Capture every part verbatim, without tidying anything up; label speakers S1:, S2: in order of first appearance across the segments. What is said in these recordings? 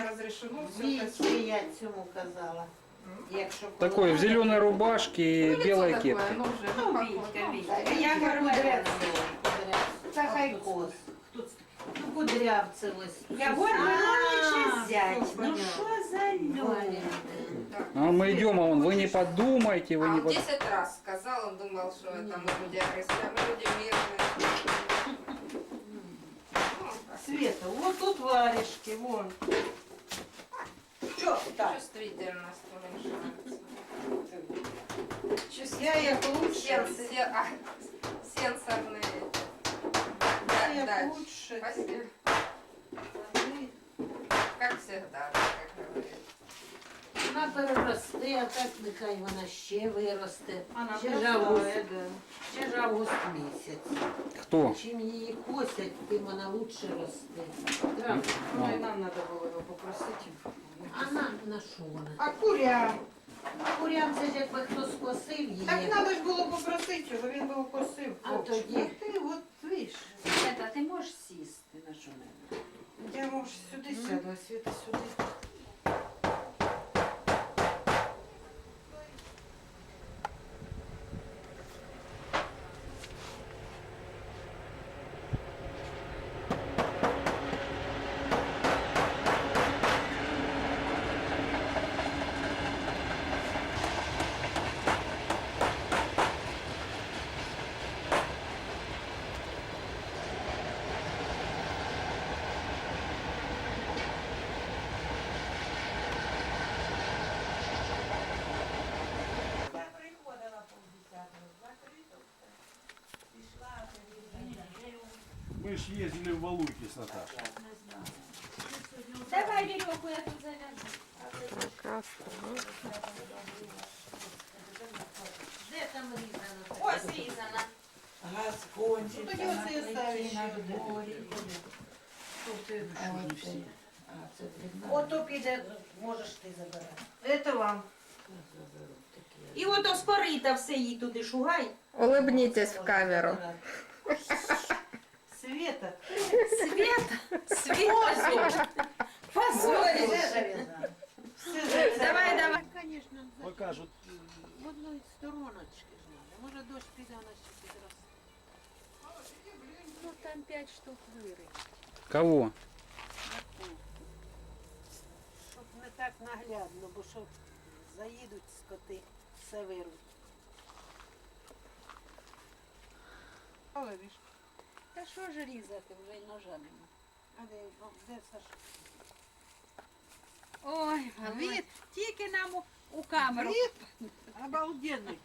S1: не разрешено. Все
S2: Вічки я цьому казала. Якщо
S3: Такой в зеленой рубашке и белой кепке.
S1: Ну, вже,
S2: Ну,
S1: ну,
S2: Вітька,
S1: ну,
S2: Вітька.
S1: да.
S2: Я говорю, кудрявцево.
S1: Та хай кос.
S2: Ну, кудрявцево.
S4: Я говорю, ну взять. Ну что за люди?
S3: А мы идем, а он, вы не подумайте, вы
S1: А
S3: не
S1: он
S3: подумайте.
S1: десять раз сказал, он думал, что это мы люди агрессивные, мы люди мирные.
S2: Света, вот тут варежки, вон. Что так?
S1: Чувствительность уменьшается.
S2: Я их лучше.
S1: Сен, се- а, сенсорные.
S2: Я
S1: Да,
S2: их
S1: да.
S2: лучше.
S1: Спасибо. Как всегда, да, как говорится.
S2: Вона переросте, а так нехай вона ще виросте.
S4: Вона
S2: Ще ж
S4: зростає,
S2: август, ще ж август місяць.
S3: Кто?
S2: Чим її косять, тим вона лучше росте. Правда?
S4: Ну и нам надо было его попросить.
S2: А на, на що вона?
S4: А куря?
S2: А курям це ж якби хто скосив її.
S4: Так надо ж було попросити його, він би укосив.
S2: А тоді?
S4: А ти от, видиш,
S5: Света, ти можеш сісти на що-небудь?
S4: я може сюди сяду, а Світа сюди. Я приходила по десятому, закрито все. Пішла,
S6: Мы ж ездили в Валуйки с Наташей.
S5: Давай веревку, я тут завяжу.
S2: Де там різано?
S5: Ось різана.
S4: Ну тоді оце я ставлю ще один.
S2: А, це видно.
S4: Ото піде, можеш ти забирати. Це вам.
S5: І ото спорита все їй туди шугай.
S1: Улыбнитесь в камеру.
S4: Света.
S5: Света, Света. Позориш.
S4: Все зав'язано. Все зав'язано.
S5: Давай, давай.
S2: Звісно,
S6: Покажут.
S2: в одної стороночки ж надо. Може дощ піде, вона ще підросте.
S5: Ну там п'ять штук вири.
S3: Кого?
S2: Щоб не так наглядно, бо щоб заїдуть скоти, все вируть.
S5: Та що ж різати, вже й ножа нема.
S2: А де, ну, де Саша?
S5: Ой, Валерій, тільки нам у, у камеру.
S2: Обалденний.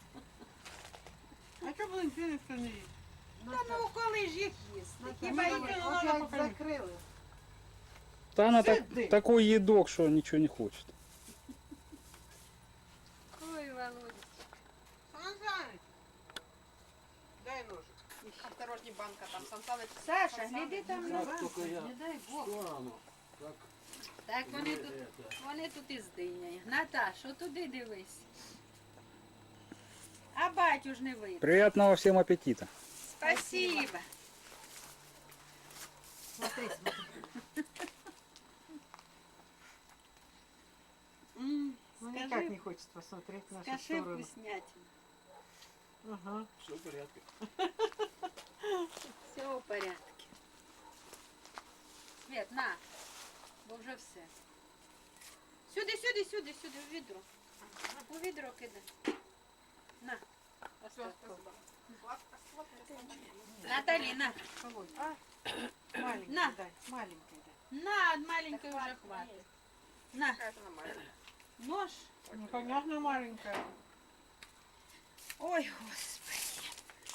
S4: А що блин, ти ніхто не їсть?
S5: Та ну коли ж їх їсти? Хіба
S4: Ми
S5: їх?
S4: викинули,
S2: Опять
S4: покажи.
S2: закрили.
S3: Да она так,
S4: Сиди.
S3: такой едок, что ничего не хочет.
S5: Ой, Володя.
S4: Санзаныч. Дай ножик.
S1: Осторожней, банка там, Сан Саныч.
S5: Саша, гляди там на
S6: Как только я
S5: не дай Бог.
S6: стану, как
S5: Так вони тут,
S6: это.
S5: вони тут із диняє. Наташ, отуди дивись. А батю ж не видно.
S3: Приятного всем аппетита.
S5: Спасибо.
S2: Смотри, смотри.
S4: Ну
S5: Скажи,
S4: никак не хочет посмотреть в нашу
S5: Скажи
S4: сторону.
S5: вкуснятину.
S4: Ага.
S6: Все в порядке.
S5: Все в порядку. Свет, на, бо вже все. Сюди, сюди, сюди, сюди, у відро. У відро кидай. На. Остав. Наталі, на.
S4: Маленький
S5: На.
S4: дай, маленький дай.
S5: На, от маленької вже хватить. На. Нож.
S4: Ну, понятно, маленькая.
S5: Ой, Господи.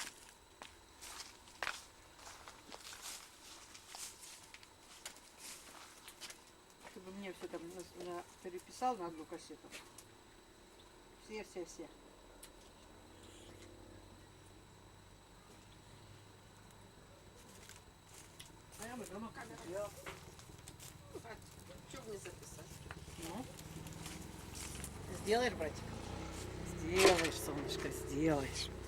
S4: Чтобы мне все там на- на- переписал на одну кассету. Все, все, все. А я бы дома как сделал.
S1: Чего бы не записать?
S4: Ну. Сделаешь, братик? Сделаешь, солнышко, сделаешь.